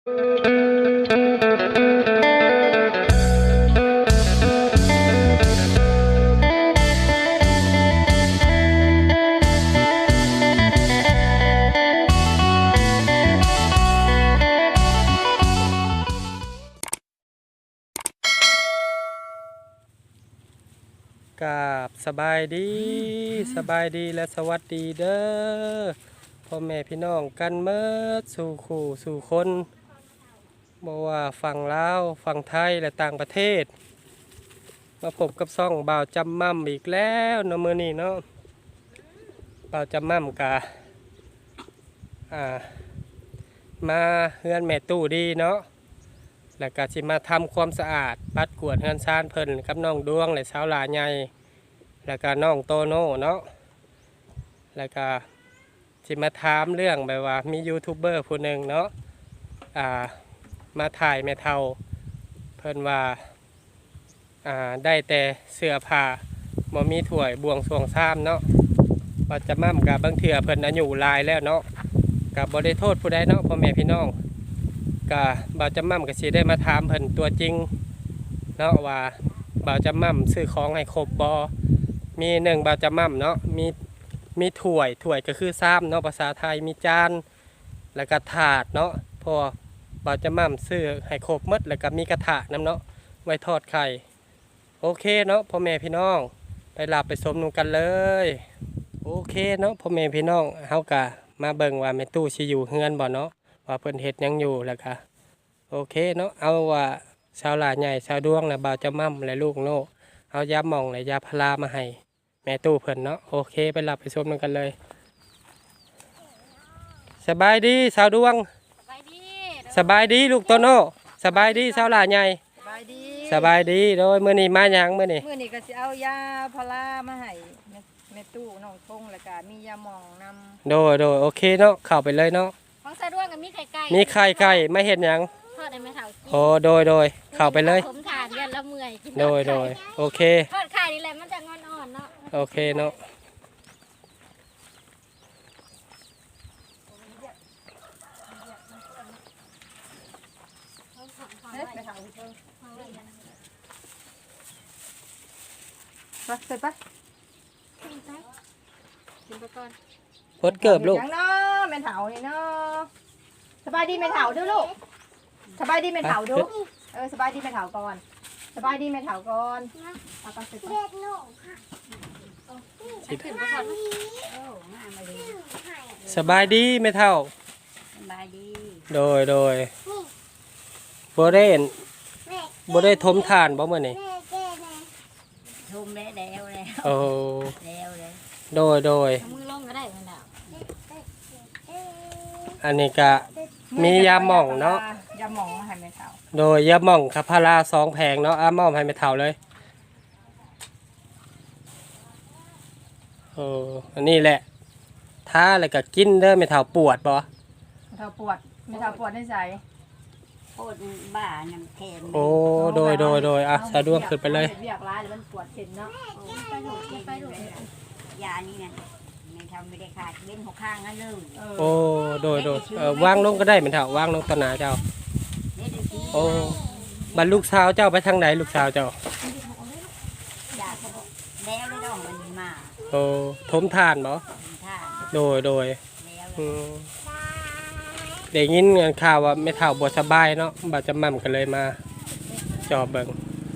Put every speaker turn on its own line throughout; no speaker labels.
กับสบายดีและสวัสดีเด้อพ่อแม่พี่น้องกันเมื่อสู่คู่สู่คนบ่ว่าฝั่งลาวฝั่งไทยและต่างประเทศมาพบกับซ่องบ่าวจำมั่มอีกแล้วเนาะมื้อนี้เนาะบ่าวจำมั่มกะมาเฮือนแม่ตู้ดีเนาะแล้วก็สิมาทำความสะอาดปัดกวาดเฮือนซานเพิ่นกับน้องดวงและสาวหลาใหญ่แล้วก็น้องโตโน่เนาะแล้วก็สิมาถามเรื่องแบบว่ามียูทูบเบอร์ผู้หนึ่งเนาะมาถ่ายแม่เฒ่าเพิ่นว่าได้แต่เสื้อผ้าบ่มีถ้วยบวงสรวงซ้ำเนาะว่าจะมั่มกับบางเถื่อเพิ่นอายุหลายแล้วเนาะกับบ่ได้โทษผู้ใดเนาะพ่อแม่พี่น้องก็บ่าวจำมั่มก็สิได้มาถามเพิ่นตัวจริงเนาะว่าบ่าวจำมั่มซื้อของให้ครบบ่มีหนึ่งบ่าวจำมั่มเนาะมีถ้วยก็คือซ้ำเนาะภาษาไทยมีจานแล้วก็ถาดเนาะพอบ่าวจำมั่มซื้อให้ครบหมดแล้วก็มีกระทะน้ำเนาะไว้ทอดไข่โอเคเนาะพ่อแม่พี่น้องไปหลับไปสมนุกันเลยโอเคเนาะพ่อแม่พี่น้องเฮากะมาเบิ่งว่าแม่ตู้สิอยู่เฮือนบ่เนาะว่าเพิ่นเฮ็ดหยังอยู่แล้วก็โอเคเนาะเอาว่าชาวหลาใหญ่ชาวดวงและบ่าวจำมั่มและลูกโน่เอายาหม่องและยาพารามาให้แม่ตู้เพิ่นเนาะโอเคไปหลับไปชมกันเลยสบายดีชาวดวงสบายดีลูกโตโน่สบายดีชาวหลาใหญ่สบายดีโดยมื้อนี้มาหยังมื้อนี้
ก็สิเอายาพารามาให้แม่ตู้น้องทงแล้วก็มียาหม่องนำ
โดยโอเคเนาะเข้าไปเลยเนาะ
ของสะดวกกับมีไข่ไก่
มีไข่ไก่ไม่เห็นหยัง
ทอดได้ไหมเท่ากิน
โอ้โดยเข้าไปเลย
ผมทานยันละเมื่อยกิน
โดยโอเค
ทอดไข่นี่แหละมันจะงอนอ่อนเนาะ
โอเคเนาะ
ไปเสร็จปะ
กินไปก่อน
พดเกิบลูก
ยังเนาะแม่เฒ่านี่เนาะสบายดีแม่เฒ่าดูลูกสบายดีแม่เฒ่าดูสบายดีแม่เฒ่าก่อนสบายดีแม่เฒ่าก่อนเอาไปเสร็จปะ
ขึ้นไปก่อน
สบายดีไม่เท่า
สบายดี
โดยบ่ได้ทมทานบ่มื้อนี้
ทมแล้ว
โอ้โดย
มือลงก็ได้มันแล้ว
อันนี้ก็มียาหม่องเนาะ
ยาหม่องมาให้แม่เฒ่า
โดยยาหม่องกับพารา2แผงเนาะมอบให้แม่เฒ่าเลยอันนี้แหละถ้าแล้วก็กินเด้อแม่เฒ่าปวดบ่
แม่เฒ่าปวดได้ใจ
ปวดบ้าน้ำแข็ง
โอ้โดยสะดวกขึ้นไปเลย
เรียกร้ายแล้วมันปวดเข็นเนาะ
ไปดูยานี่ไงไม่ทำไม่ได้ขาดเว้น6ข้างนั่นเลย
โอ้โดยวางลงก็ได้แม่เฒ่าวางลงต่อหน้าเจ้าโอ้บัดลูกสาวเจ้าไปทางไหนลูกสาวเจ้า
แล้วได้ดอกมันมา
โอ้ทมทานบ่โดยเด็กยินข่าวว่าไม่เฒ่าบ่สบายเนาะบ่จะมั่มกันเลยมาจอบเบิ่ง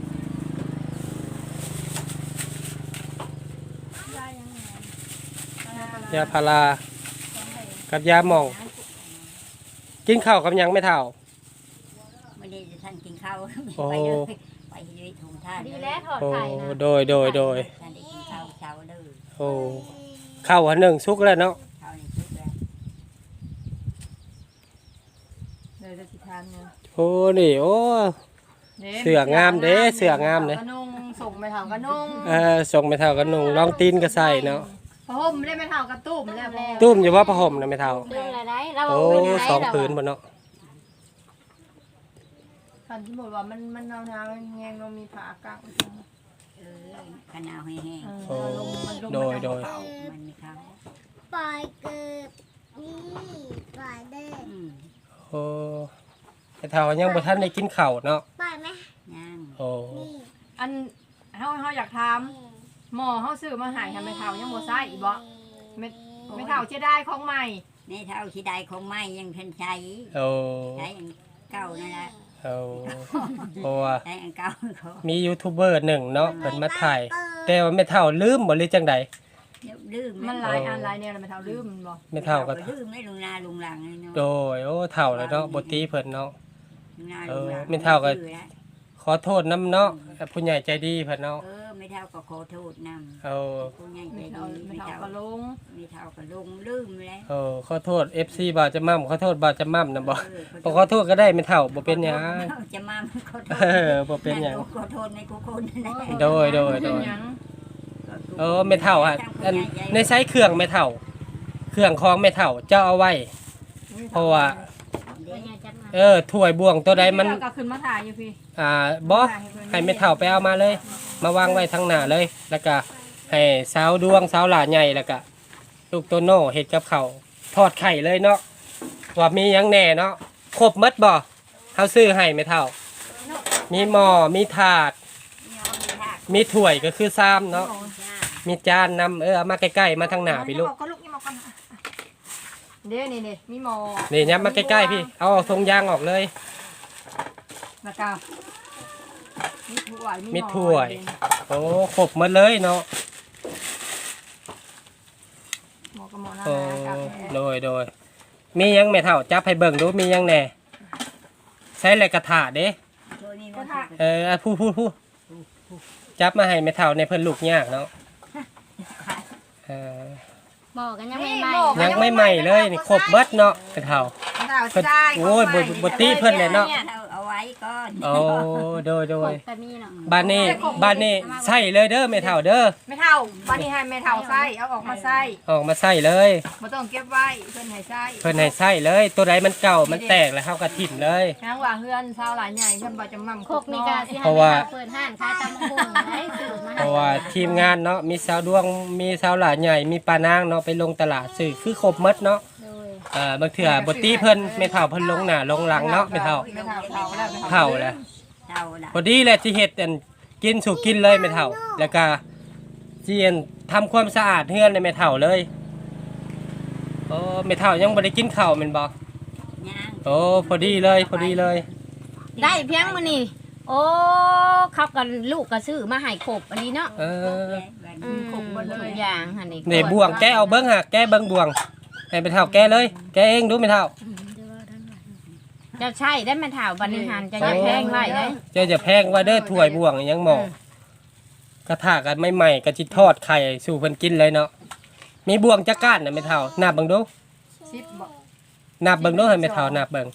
ยาพารากับยาหม่องกินข้าวกับยังไม่เฒ่า
ไม่ได้ท่านกินข้าวไปเลยถุงท่าน
ดีแล้วถอดไข่นะ
โดย
ท่านได้กินข้าวเช้าเลย
โอ้ข้าวอันหนึ่งสุกแล้วเนาะ
เลยจะสิทานเนี่ย
โอ้นี่โอ้เสืองามเด้เสืองามเลย
กระนุ่งส่งไปเฒ่ากระนุ่ง
ส่งไปเฒ่ากระนุ่งลองตีนก็ใส่เนาะ
ผ้าห่มได้ไม่เฒ่ากับตุ้มแล้ว
ตุ้มอยู่ว่าผ้าห่มนะไม่เฒ่าโอ้2 ผืนบ่เนาะ
คันที่บอกว่ามันหนาวๆแห้งๆมีผ้ากาง
ขนาวแห้ง
โดย
มันมีเขา
ปล่อยเกิดนี่ปล่อยเด้
โอ้แม่เฒ่ายังบ่ทันได้กินข้าวเนาะ
ย่าง
โอ้
อันเฮาอยากถามหมอเฮาซื้อมาให้ทำแม่เฒ่ายังบ่ใส่อีบ่แม่เฒ่าเสียดายของใหม่
ในเท่าที่ได้ของไม้ยังเพิ่นใช้
โอ้
ใช้อันเก่านั่นแหละ
โอ้เพราะว่า
ใช้อันเก่าเขา
มียูทูบเบอร์หนึ่งเนาะเพิ่นมาถ่าย แต่ว่าแม่เฒ่าลืมบ่หรือจังใด
เดี๋ยวลืม
มันหลายอันหลายแนวแล้วแม่เฒ่าลืมมันบ่
แม่เฒ่าก็
ลืมไม่ลงนาลงหลังเลยเนาะ
โดยโอ้เฒ่าแล้วเนาะบ่ตีเพิ่นเนาะ
ลงนาลงหลัง
ไม่เท่ากับ ขอโทษนํเนาะผู้ใหญ่ใจดีเพิ่นเนาะ
ไม่เท่าก็ขอโทษนำ
เอา
ผู้ใหญ่ใจ
แม่
ดี
เฒ่า
ไม่
แม่เฒ่า
เท่า
ก็ลง
ไม่เท่าก็ลงลืมแล้ว
เอาขอโทษ FC บ่าวจะม่ํขอโทษบ่าวจะม่ํนะบ่บ่ขอโทษก็ได้แม่เฒ่าบ่เป็นหยัง
จะมาขอโทษ
เออบ่เป็นหยัง
ขอโทษในกูคนนั่นแหละ
โดย
เป็นหยัง
เออแม่เฒ่าอ่ะอันในใช้เครื่องแม่เฒ่า เครื่องของแม่เฒ่าเจ้าเอาไว้ เพราะว่าถ้วยบ่วงตัวใดมัน
แก็ขึ้นมาถ่ายอยู่พี่
บ่ให้แม่เฒ่าไปเอามาเลย มาวางไว้ทางหน้าเลย แล้วก็ให้สาวดวงสาวหลาใหญ่แล้วก็ลูกโตโน่เฮ็ดกับข้าวทอดไข่เลยเนาะว่ามีหยังแหน่เนาะครบหมดบ่เฮาซื้อให้แม่เฒ่า มีหม้อมีถาด มีถ้วยก็คือซ้ำเนาะมีจานนำเอามาใกล้ๆมาทางหน้าพี่ลูก
ก็ลูกนี่มาก่อนเด้นี่มีหมอ
นี่ยับมาใกล้ๆพี่เอาออกทรงยางออกเลย
แล้วก็มีถ้วย
มีถ้วย โอ้ครบหมดเลยเนาะ
หมอกับหมอหน้า
โอ้
กับ
โดยมีหยังแม่เฒ่าจับให้เบิ่งดูมีหยังแหน่ใช้อะไรกระถาเด้
ตัวนี้
ก็
มัน
ถ้า
ผู้จับมาให้แม่เฒ่าในเพิ่นลูกยากเนาะเออ
หมอกันยังไม่ใหม่
ยังไม่ใหม่เลยนี่ครบเบิดเนาะแม่เฒ่า เพิ่นโอ้ยบ่ตีเพิ่นเลยเนาะ
เอาไว้ก่อน
โอ้โดย
แต่มีเนาะ
บ้านนี้ใส่เลยเด้อแม่เฒ่าเด้อ
ไม่เท่าวันนี้ให้แม่เท่าไส้เอาออกมาไส้
ออกมาใส่เลย
บ่ต้องเก็บไว้เพิ่นให้ไส้
เพิ่นให้ใส่เลย ตัวใดมันเก่ามันแตกแล้วเฮาก็ถิ่มเลย
นางว่าเฮือนชาวหลายใหญ่เพิ่นบ่จะมั่ม
โคกมีกาสิ
เพราะว่า
เปิดห้านขายตำบักหุ่งได้ซื้อมา
เพราะว่าทีมงานเนาะมีสาวดวงมีสาวหลาใหญ่มีปานางเนาะไปลงตลาดซื้อคือครบหมดเนาะ
โดย
บางเทื่อบ่ตีเพิ่นไม่เฒ่าเพิ่นลงหน้าลงหลังเนาะไม่เฒ่า
ไม่เท่าเท่าแล้ว
เฒ่าแล้ว
เท่าละ
พอดีแหละที่เฮ็ดอันกินสู่กินเลยไม่เฒ่า แล้วก็สิอันทำความสะอาดเฮือนในไม่เฒ่าเลยโอ้ไม่เฒ่ายังบ่ได้กินข้าวแม่นบ่
ย่าง
โอ้พอดีเลย
ได้เพียงมื้อนี้โอ้เขากันลูกก็ซื้อมาให้ครบอันนี้เนาะ
เออ
ครบบ่ทุกอย่างหั่นนี่
นี่บ่วงแกเอาเบิ่งหะแกเบิ่งบ่วงให้ไม่เฒ่าแกเลย แกเองดูไม่เฒ่า
จะใช่ได้แม่เฒ่าบัดนี้หันจะอย่าแพงไว้ได้
เจ้าจะแพงว่าเด้อถ้วยบ่วงยังหมอกระทะกันใหม่ๆก็สิทอดไข่สู่เพิ่นกินเลยเนาะมีบ่วงจักก้านน่ะไม่เฒ่านับเบิ่งดู
ชิปบ่
นับเบิ่งดูให้ไม่เฒ่านับเบิ่ง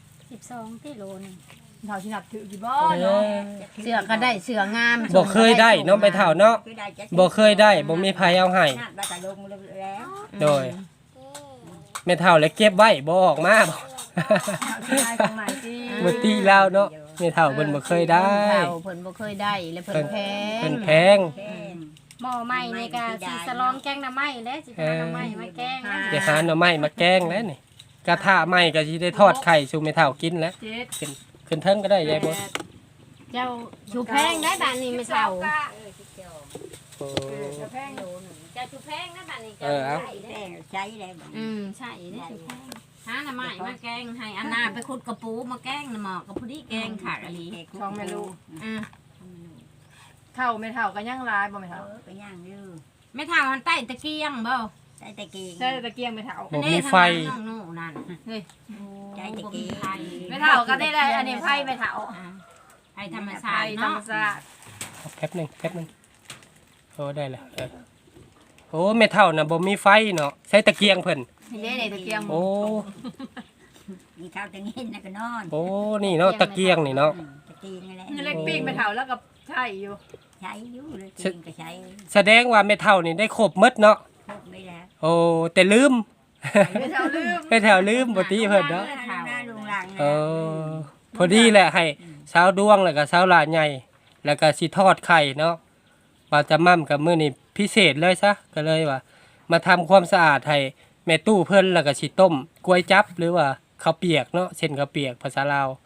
12กิโลนึง
เท่าสินับถือกี่บ่
เอ
เนาะ
อ
เสื้อก็ได้เสื้องาม
บ่เคยได้เนาะไม่เฒ่าเนาะบ่เคยได้บ่มีไผเอาให้
นาดบาตะลงแล้ว
โดยแม่เฒ่าเลยเก็บไว้บ่ออกมาบ่
ได้ของใหม่สิ
บ่ตีแล้วเนาะแม่เฒ่าเพิ่นบ่เคยได้
เฒ่าเพิ่นบ่เคยได้และเพิ่นแพง
เพิ่นแพง
หม้อใหม่นี่ก็สิสลองแกงหน่อไม้และสิหาหน่อไม้มาแกงนะ
จะหาหน่อไม้มาแกงแล้วนี่กระทะใหม่ก็สิได้ทอดไข่สู่แม่เฒ่ากินแล้ว
เจ็ด
ขึ้นเทิงก็ได้ยายบ่
เจ้าชูแพงได้บ้านนี้ไม่เฒ่า
โอ้
จะแพง
เจ้าชูแพงได้บ้านนี้
เออเอา
แป้งใช้แล้ว
ใช่ได้ชูแพงหาหน่อไม้มาแกงให้อันนาไปขุดกระปูมาแกงน่ะหมอกกับผู้ที่แกงขาดอะไร
ช่องแม่ลูก
อ่า
เท่าไม่เท่าก็ยังหลายบ่ไม่เท่า
ก็ย่างอยู่
ไม่เท่ามันใต้ตะเกียงบ่
ใช้ตะกี้
ใช่ตะเกียงไม่เท่า
บ่มีไฟ
น้องโน่นั่นเฮ้ย
ใช้ตะกี้
ไม่เท่าก็ได้เลยอันนี้ไพ่ไม่เท่า
ไอ้ธรรม
ไพ่
ชาติ
ธรร
เนาะ
มชาติ
แป๊บหนึงโอ้ได้แล้วโอ้แม่เฒ่าน่ะบ่มีไฟเนาะใช้ตะเกียงเพิ่น
นี่ในตะเกียง
โอ้
มีข้าวตะเงินนะก็นอน
โอ้นี่เนาะตะเกียงนี่เนาะ
ตะกี้นี่แหละ
เงินเล็กปีกไม่เท่าแล้วก็ใช่อยู่
ใช้อยู่เลยกินก็ใช้
แสดงว่าแม่เฒ่านี่ได้ครบหมดเนาะ
พกไม่แล้ว
โอ้แต่ลืม
ไม่เท่าลืม
แม่เฒ่าลืมบ่ตีเพิ่นเนาะ
หน้าลุงหลัง
เออพอดีแหละให้สาวดวงแล้วก็สาวหลานใหญ่ แล้วก็สิทอดไข่เนาะว่าจะมั่มกับมื้อนี้พิเศษเลยซะก็เลยว่า มาทำความสะอาดให้แม่ตู้เพิ่นแล้วก็สิต้มกล้วยจับหรือว่าข้าวเปียกเนาะเส้นข้าวเปียกภาษาลาว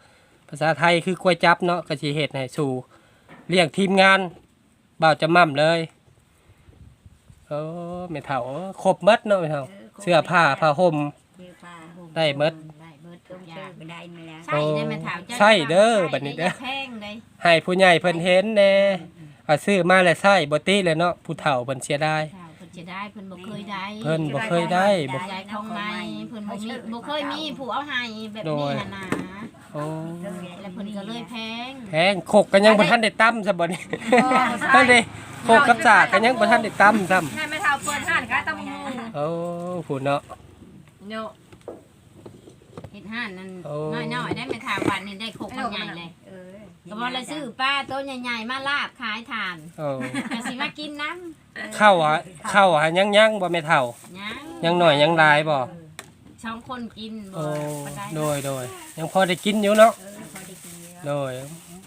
ภาษาไทยคือกล้วยจับเนาะก็สิเฮ็ดให้สู่เรียกทีมงานบ่าวจะม่ํเลยโอ้แม่เฒ่าครบหมดเนาะแม่เฒ่าเสื้อผ้าผ้าห่ม
เสื้อผ้าห่ม
ได้หมด
ได้เบิดต้องซื้อก็ได้มาแล้ว
ใช่ได้แม่เฒ่าจ้า
ใช่เด้อบัดนี้เด้อ
แพงเลย
ให้ผู้ใหญ่เพิ่นเห็นแน่ว่าซื้อมาแล้วใช้บ่ติเลยเนาะผู้เฒ่าเพิ่นเสียดาย
เฒ่าเพิ่นจะได้เพิ่นบ่เคยได้
เพิ่นบ่เคยได้บ่
ได้ของในเพิ่นบ่เคยมีผู้เอาให้แบบนี้หั่นน่ะ
โอ้
แล้วเพิ่นก็เลยแพง
แพงขกกันยังบ่ทันได้ตำซะบ่นี่นั่นดิขกกับสากกันยังบ่ทันได้ตำซ้ำ
ให้แม่เฒ่าเปิดห้านขายตำบักหุ่ง
โอ้ผู้เนาะ
เนาะ
เฮ็ดห้านนั่น
โอ้
น้อยๆได้แม่เฒ่าวันนี้ได้ครกมันใหญ่เลย
เออ
ก็บ่เลยซื้อปลาตัวใหญ่ๆมาลาบขายทาน
โอ้
ก็สิมากินน้
เข้าหายังบ่แม่เฒ่า
ำยัง
ยังหน่อยยังหลายบ่
สองคนกินบ่
โอ้
บ่ได้
โดยยังพอได้กินอยู่เนาะ
เออพอได้กินเยอะ
โดย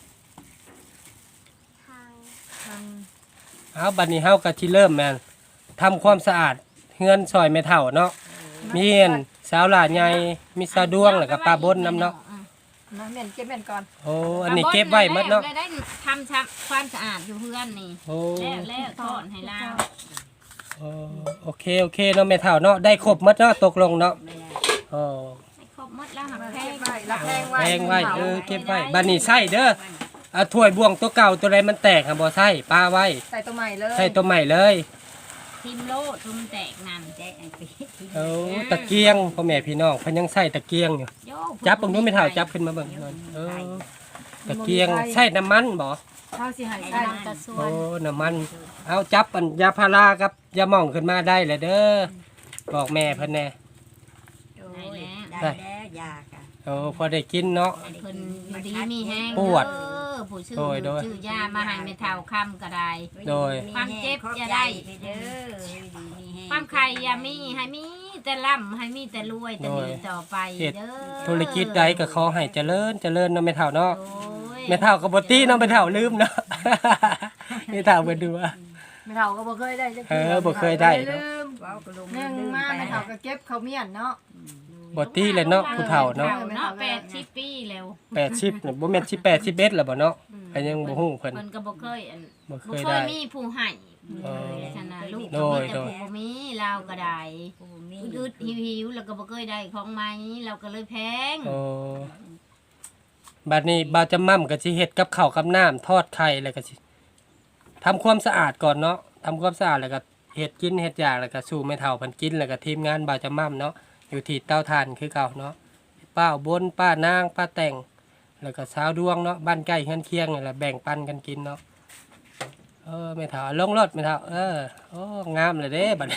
เอาบัดนี้เฮาก็สิเริ่มแม่นทำความสะอาดเฮือนซอยแม่เฒ่าเนาะมีเห็นสาวหลานใหญ่มีสาวดวงแล้วก็ป้าบนนํเนาะ
นะเม่นเก็บเม่นก่อน
โอ้อันนี้เก็บไว้หมดเนาะ
แล้วได้ทำความสะอาดอยู่เพื่อนนี่
โอ้
แล้วทอดให้เรา
โอเคเนาะแม่เฒ่าเนาะได้ครบหมดเนาะตกลงเนาะ
ไม่ได้
โอ้
ให้ครบหมดแล้วหักแพ
เก็
ง
บไว้รับแพงไว้
แพงไว้เก็บไว้บัดนี้ใส่เด้อเอาถ้วยบ่วงตัวเก่าตัวใดมันแตกบ่ใส่ป้าไว้
ใส่ตัวใหม่เลย
ใส่ตัวใหม่เลย
ทิมโลดทุ่มแตกนั่น
แจ๊อันไปที่
โอ้ตะเกียงพ่อแม่พี่น้องเพิ่นยังใส่ตะเกียงอยู่
โย
จับเบิ่งดูแม่เฒ่าจับขึ้นมาเบิ่งหน่อยตะเกียงใส่น้ำมันบ่
เขาสิให้
ใส่
ใส่
น้ำตะส่ว
โอ้
น
น้ำมันเอาจับอันยาพารากับยาหม่องขึ้นมาได้เลยเด้อบอกแม่เพิ่นแน่
โอ้ยได้แล้วยาค่ะ
โอ้พอได้กินเนาะ
เพิ่นอยู่ดีมีแห้ง
ปวด
ผู้ชื่อ
โดย
ชื่อยามาให้แม่เฒ่าคำก็ได้
โดย
ความเจ็บอย่าได้
ไปเด้อมีแห้ง
ความไข่อย่ามีให้มีแต่ร่ำให้มีแต่รวยแต่ดีต่อไป
เฮ็ด
เด้อ
ธุรกิจใดก็ขอให้เจริญเนาะแม่เฒ่าเนาะ
โอ้ย
แม่เฒ่าก็บ่ตีเนาะแม่เฒ่าลืมเนาะ แม่เฒ่าเบิ่นดูว่า
แม่เฒ่าก็บ่เคยได้จัก
บ่เคยได้
ลืม
ว้าวกระลง
หนึ่งมาแม่เฒ่าก็เก็บข้าวเมียนเนาะ
บ่ตีเลยเนาะผู้เฒ่าเนาะ
เนาะ80 ปีแล้ว
80น่ะบ่แม่น18 11แล้วบ่เนาะก็ยังบ่ฮู้เพิ่น
เพิ่นก็บ่เคยอัน
บ่เค
บ่
ย
เค
ได้
ยมีผู้ให้
อ๋อ
ฉะนั้นลูก
โด
ก็
ย
มีแต่ผู้บ่มีเราก็ได้
ปูมี
อึดๆหิวๆแล้วก็บ่เคยได้ของใหม่เราก็เลยแพง
โอ้บัดนี้บ่าวจะม่ํก็สิเฮ็ดกับข้าวกับน้ำทอดไข่แล้วก็สิทำความสะอาดก่อนเนาะทำความสะอาดแล้วก็เฮ็ดกินเฮ็ดอยากแล้วก็สู่แม่เฒ่าเพิ่นกินแล้วก็ทีมงานบ่าวจะม่ํเนาะอยู่ที่เตาถ่านคือเก่าเนาะป้าอุบนป้านางป้าแต่ง แล้วก็สาวดวงเนาะบ้านใกล้เฮือนเคียงนี่แหละแบ่งปันกันกินเนาะแม่เฒ่าลงรถแม่เฒ่าโอ้งามเลยเด้บัดนี้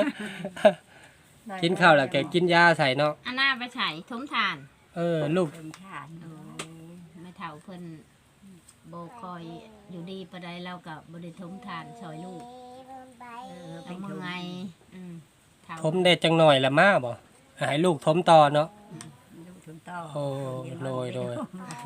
กินข้าวแล้วแกกินยาใส่เนาะ
อันหน้าไปใช้ทมทาน
ลูก
เป็นฐาน
โอ้ไม่เฒ่าเพิ่นบ่คอยอยู่ดีปานใดเราก็บ่ได้ทมทานช่วยลูกเอามื่อไงเฒ่า
ทมได้จังหน่อยละมาบ่ให้ลูกทมต่อเนาะ
ลูกชุนต่อ
โอ้โดย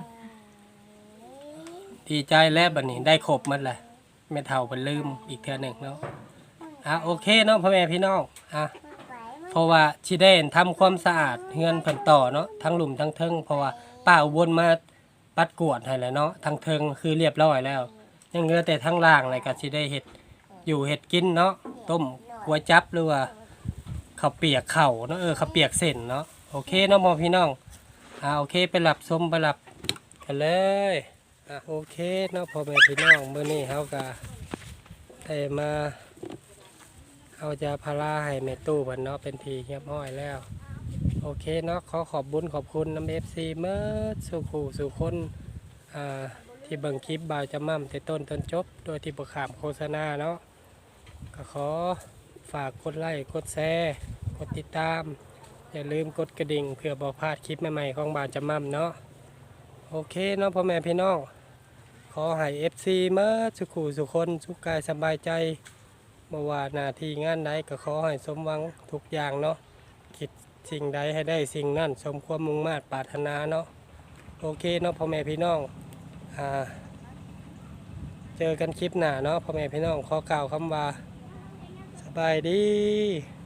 ดีใจแล้วบัดนี้ได้ครบหมดแหละแม่เฒ่าเพิ่นลืมอีกเทื่อหนึงเนาะโอเคเนาะพ่อแม่พี่น้องเพราะว่าสิได้ทำความสะอาดเฮือนเพิ่นต่อเนาะทั้งหลุมทั้งเทิงเพราะว่าป้าอุบลมาปัดกวาดให้แล้วเนาะทั้งเทิงคือเรียบร้อยแล้วยังเหลือแต่ทั้งล่างเลยก็สิได้เฮ็ดอยู่เฮ็ดกินเนาะต้มก๋วยจั๊บหรือว่าข้าวเปียกข้าวเนาะข้าวเปียกเส้นเนาะโอเคเนาะพ่อพี่น้องโอเคไปหลับชมไปหลับกันเลยโอเคเนาะพ่อแม่พี่น้องมื้อนี้เฮาก็ได้มาเอายาพาราให้แม่ตู้เพิ่นเนาะเป็นทีเรียบร้อยแล้วโอเคเนาะขอบบุญขอบคุณน้ำ FC เมื่อสู่ผู้สู่คนที่เบิ่งคลิปบ่าวจะม่ำแต่ต้นจนจบโดยที่บ่ขามโฆษณาเนาะก็ขอฝากกดไลค์กดแชร์กดติดตามอย่าลืมกดกระดิ่งเพื่อบ่พลาดคลิปใหม่ๆของบ่าวจะม่ำเนาะโอเคเนาะพ่อแม่พี่น้องขอให้ FC เมื่อสุขสุขคนสุขกายสบายใจเมื่อว่าหน้าที่งานใดก็ขอให้สมหวังทุกอย่างเนาะคิดสิ่งใดให้ได้สิ่งนั้นสมความมุ่งมา่ปรารถนาเนาะโอเคเนาะพ่อแม่พี่น้องเจอกันคลิปหน้าเนาะพ่อแม่พี่น้องขอกล่าวคำว่าสบายดี